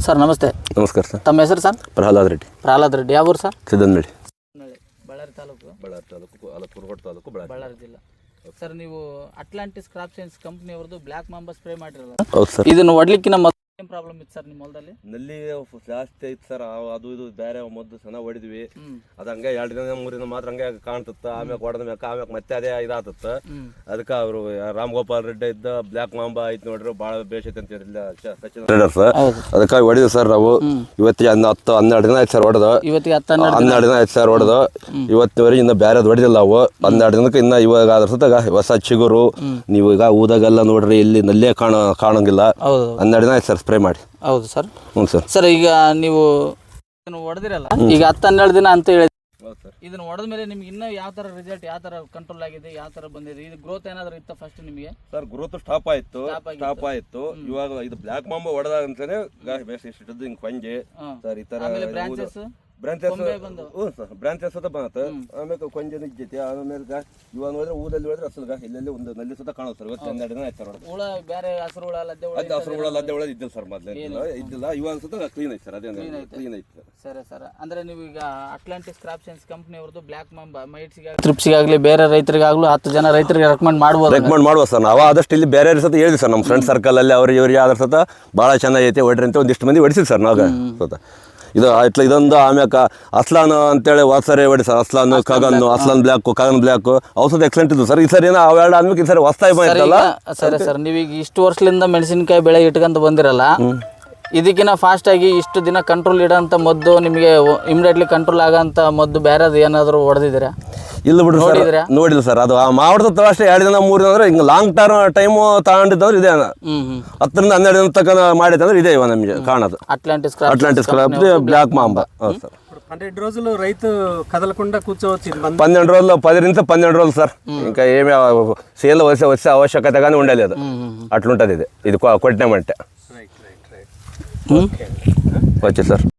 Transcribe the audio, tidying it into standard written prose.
Sir ನಮಸ್ತೆ. ನಮಸ್ಕಾರ sir. ತಮ್ಮ ಹೆಸರು ಸರ್? ಪ್ರಹ್ಲಾದ್ ರೆಡ್ಡಿ. ಪ್ರಹ್ಲಾದ್ ರೆಡ್ಡಿ. ಯಾವ ಊರು ಸರ್? ಸಿದ್ದನಹಳ್ಳಿ. ಬಳ್ಳಾರಿ ತಾಲೂಕು. ಕುರುಗೋಡು ತಾಲೂಕು, ಬಳ್ಳಾರಿ ಜಿಲ್ಲಾ. ಸರ್ ನೀವು ಅಟ್ಲಾಂಟಿಸ್ ಕ್ರಾಪ್ ಸೈನ್ಸ್ ಕಂಪ್ನಿ ಅವ್ರದ್ದು ಬ್ಲ್ಯಾಕ್ ಮಾಂಬಾ ಸ್ಪ್ರೇ ಮಾಡಿರಲ್ಲ? ಹೌದು ಸರ್. ಇದನ್ನು ಹೊಡ್ಲಿಕ್ಕಿನ ಏನು ಪ್ರಾಬ್ಲಮ್ ಇತ್ತು ಸರ್ ನಿಮ್ಮ ಹೊಲದಲ್ಲಿ? ನಲ್ಲಿ ಜಾಸ್ತಿ ಐತಿ ಸರ್. ಅದು ಇದು ಬೇರೆ ಮದ್ದು ಚೆನ್ನಾಗಿ ಹೊಡಿದ್ವಿ. ಅದು ಹಂಗೆ 2 ದಿನ 3 ದಿನ ಮಾತ್ರ ಹಂಗೆ ಕಾಣ್ತತ್ತ. ಆಮ್ಯಾಗ ಹೊಡೆದ ಮ್ಯಾಕ ಆಮ್ಯಾಗ ಮತ್ತೆ ಅದೇ ಇದಾತತ್ತ. ಅದಕ್ಕೆ ಅವರು ರಾಮ್ ಗೋಪಾಲ್ ರೆಡ್ಡಿ ಇದ್ದ ಬ್ಲ್ಯಾಕ್ ಮಾಂಬಾ ಐತಿ ನೋಡ್ರಿ, ಭಾಳ ಬೇಷೈತೆ ಅಂತ ಹೇಳಿಲ್ಲ ಸಚಿನ್ ಸರ್. ಅದಕ್ಕಾಗಿ ಹೊಡಿದ್ವಿ ಸರ್ ನಾವು. ಇವತ್ತಿಗೆ 10-12 ದಿನ ಆಯ್ತು ಸರ್ ಹೊಡೆದು. ಇವತ್ತಿಗೆ 12 ದಿನ ಆಯ್ತು ಸರ್ ಹೊಡೆದು. ಇವತ್ತಿನವರೆಗೆ ಇನ್ನು ಬೇರೆದು ಹೊಡೆದಿಲ್ಲ ನಾವು. 12 ದಿನಕ್ಕೆ ಇನ್ನು ಇವಾಗ ಅದ್ರ ಸುತ್ತಾಗ ಹೊಸ ಚಿಗುರು. ನೀವು ಈಗ ಊದಾಗೆಲ್ಲ ನೋಡ್ರಿ, ಇಲ್ಲಿ ನಲ್ಲೇ ಕಾಣಂಗಿಲ್ಲ. 12 ದಿನ ಆಯ್ತು ಸರ್ ಸ್ಪ್ರೇ ಮಾಡಿ. ಹೌದು ಸರ್. ಹ್ಞೂ ಸರ್. ಸರ್ ಈಗ ನೀವು ಹೊಡೆದಿರಲ್ಲ, ಈಗ 10-12 ದಿನ ಅಂತ ಹೇಳಿ ಇದನ್ನ ಹೊಡೆದ ಮೇಲೆ ನಿಮ್ಗೆ ಇನ್ನೂ ಯಾವ ತರ ರಿಸಲ್ಟ್, ಯಾವ ತರ ಕಂಟ್ರೋಲ್ ಆಗಿದೆ, ಯಾವ ತರ ಬಂದಿದೆ? ಇದು ಗ್ರೋತ್ ಏನಾದ್ರು ಇತ್ತ ಫಸ್ಟ್ ನಿಮಗೆ? ಸರ್ ಗ್ರೋತ್ ಸ್ಟಾಪ್ ಆಯ್ತು. ಇವಾಗ ಇದು ಬ್ಲ್ಯಾಕ್ ಮಾಂಬಾ ಹೊಡೆದಾಗ ಅಂತಾನೆ ಹಿಂಗ್ ಕೊಂಜೆ ಸರ್ ಈ ತರ ಬ್ರಾಂಚೆಸ್ ಸುತ್ತ ಬಂತ. ಆಮೇಲೆ ಕೊಂಜ ನಿಜ್ಜೈತಿ. ಆಮೇಲೆ ಇವಾಗ ನೋಡಿದ್ರೆ ಊರಲ್ಲಿ ಹೋದ್ರೆ ಅಸಲ್ಗ ಇಲ್ಲೆಲ್ಲಿ ಒಂದು ನಲ್ಲಿ ಸುತ್ತ ಕಾಣುತ್ತೆ ಸರ್. ಇವತ್ತು 12 ದಿನ ಆಯ್ತು ಸರ್. ಹುಳ ಬೇರೆ ಹಸಿರು ಹುಳ ಲದ್ದೆ ಹುಳ ಇದ್ದಿಲ್ಲ ಸರ್, ಮೊದಲೇ ಇದ್ದಿಲ್ಲ. ಇವಾಗ ಸುತ್ತ ಕ್ಲೀನ್ ಐತೆ ಸರ್. ಅದೇ ಕ್ಲೀನ್ ಐತೆ ಸರ್. ಸರ್ ಅಂದ್ರೆ ನೀವು ಈಗ ಅಟ್ಲಾಂಟಿಸ್ ಕ್ರಾಪ್ ಸೈನ್ಸ್ ಕಂಪ್ನಿ ಅವ್ರದ್ದು ಬ್ಲ್ಯಾಕ್ ಮಾಂಬಾ ಟ್ರಿಪ್ಸಿಗಾಗಲಿ ಬೇರೆ ರೈತರಿಗಾಗಲೂ 10 ಜನ ರೈತರಿಗೆ ರೆಕಮೆಂಡ್ ಮಾಡ್ಬೋದು ಸರ್. ನಾವು ಆದಷ್ಟು ಇಲ್ಲಿ ಬೇರೆ ಸತ ಹೇಳಿದ್ವಿ ಸರ್, ನಮ್ಮ ಫ್ರೆಂಡ್ ಸರ್ಕಲ್ ಅಲ್ಲಿ ಅವ್ರಿಗೆ ಇವ್ರಿಗೆ ಅದ್ರ ಸತ ಭಾಳ ಚೆನ್ನಾಗೈತೆ ಹೊಡ್ರಿ ಅಂತ ಒಂದಿಷ್ಟು ಮಂದಿ ಹೊಡಿಸಿದ್ ಸರ್ ನಾವು ಸತ. ಇದೊಂದು ಆಮ್ಯಾಕ ಅಸ್ಲಾನ್ ಅಂತೇಳಿ ವಾತ್ಸರಿ ಹೊಡಿ ಸರ್. ಅಸ್ಲಾನ್ ಕಾಗನ್ ಬ್ಲ್ಯಾಕ್ ಔಷಧ ಎಕ್ಸಲೆಂಟ್ ಇದ್ದು ಸರ್. ಈ ಸರಿ ಏನೋ ಅವೆರಡು ಆದ್ಮೇಲೆ ಈ ಸರಿ ಹೊಸ್ತಾಗಿ ಬಂದಿಲ್ಲ. ಸರಿ ಸರ್, ನೀವೀಗ ಇಷ್ಟು ವರ್ಷದಿಂದ ಮೆಣಸಿನಕಾಯಿ ಬೆಳೆ ಇಟ್ಕೊಂತ ಬಂದಿರಲ್ಲ, ಇದಕ್ಕಿಂತ ಫಾಸ್ಟ್ ಆಗಿ ಇಷ್ಟು ದಿನ ಕಂಟ್ರೋಲ್ ಇಡೋಂಥ ಮದ್ದು, ನಿಮಗೆ ಇಮಿಡಿಯೇಟ್ಲಿ ಕಂಟ್ರೋಲ್ ಆಗೋಂಥ ಮದ್ದು ಬೇರೆದು ಏನಾದರೂ ಹೊಡೆದಿದ್ದೀರಾ? ಇಲ್ಲ ಬಿಡ್ರಿ ಸರ್, ನೋಡಿಲ್ಲ ಸರ್. ಅದು ಮಾಡ್ದ ಅಷ್ಟೇ 2 ದಿನ 3 ದಿನ ಅಂದ್ರೆ ಹಿಂಗೆ ಲಾಂಗ್ ಟೈಮು ತಗೊಂಡಿದ್ದವ್ರು ಇದೆ. 10-12 ದಿನ ತನಕ ಮಾಡಿದ್ರೆ ಇದೆ ಇವಾಗ ನಮಗೆ ಕಾಣೋದು. Atlantis crop black mamba. Sir 12 రోజులు రైతు కదలకుండా కూర్చోవచ్చు. 12 రోజులు 10 నుంచి 12 రోజులు సార్. ఇంకా ఏమి సేల్ వచ్చే ఆవశ్యకత కానీ ఉండలేదు. అట్లుంటుంది ఇది కొట్టినామంటే. వచ్చే సార్.